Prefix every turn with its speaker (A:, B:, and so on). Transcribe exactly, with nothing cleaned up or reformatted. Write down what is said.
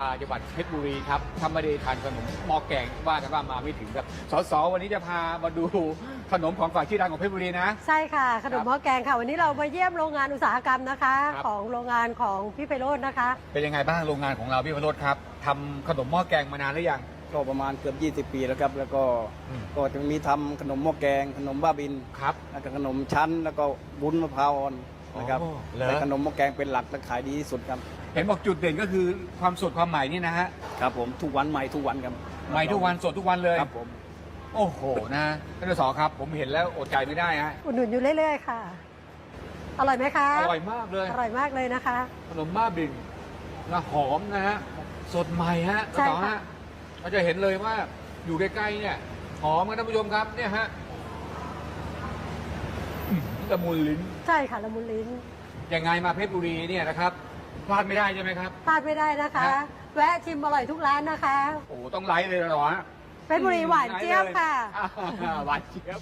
A: จังหวัดเพชรบุรีครับถ้าไม่ได้ทานขนมหม้อแกงว่ากันว่ามาไม่ถึงครับสสวันนี้จะพามาดูขนมของฝากชื่อดังของเพชรบุรีนะ
B: ใช่ค่ะขนมหม้อแกงค่ะวันนี้เรามาเยี่ยมโรงงานอุตสาหกรรมนะคะ ของโรงงานของพี่ไพโรจน์นะคะ
A: เป็นยังไงบ้างโรงงานของเราพี่ไพโรจน์ครับทำขนมหม้อแกงมานานหรือยัง
C: ก็ประมาณเกือบยี่สิบปีแล้วครับแล้วก็ก็จะมีทำขนมหม้อแกงขนมบ้าบิน
A: ครับ
C: แล้วก็ขนมชั้นแล้วก็บุ้นมะพร้าวอ่อนนะครับแต่ขนมหม้อแกงเป็นหลักและขายดีที่สุดครับ
A: เห็นบอกจุดเด่นก็คือความสดความใหม่นี่นะฮะ
C: ครับผมทุกวันใหม่ทุกวันครับ
A: ใหม่ทุกวันสดทุกวันเลย
C: ครับผม
A: โอ้โหนะท่านสสครับผมเห็นแล้วอดใจไม่ได้ฮะ
B: อุดหนุนอยู่เรื่อยๆค่ะอร่อยไหมคะ
A: อร่อยมากเลย
B: อร่อยมากเลยนะคะ
A: ขนมบ้าบินนะหอมนะฮะสดใหม่ฮะท่านสสฮะเราจะเห็นเลยว่าอยู่ใกล้ๆเนี่ยหอมกันท่านผู้ชมครับเนี่ยฮะละมุนลิ้น
B: ใช่ค่ะละมุนลิ้น
A: ยังไงมาเพชรบุรีเนี่ยนะครับพลาดไม่ได้ใช่ไหมครับ
B: พลาดไม่ได้นะคะแวะชิมอร่อยทุกร้านนะคะ
A: โอ้ต้องไลฟ์เลยเหรอฮะ
B: เพชรบุรีหวานเจี๊ยบค่ะ
A: หวานเจี๊ยบ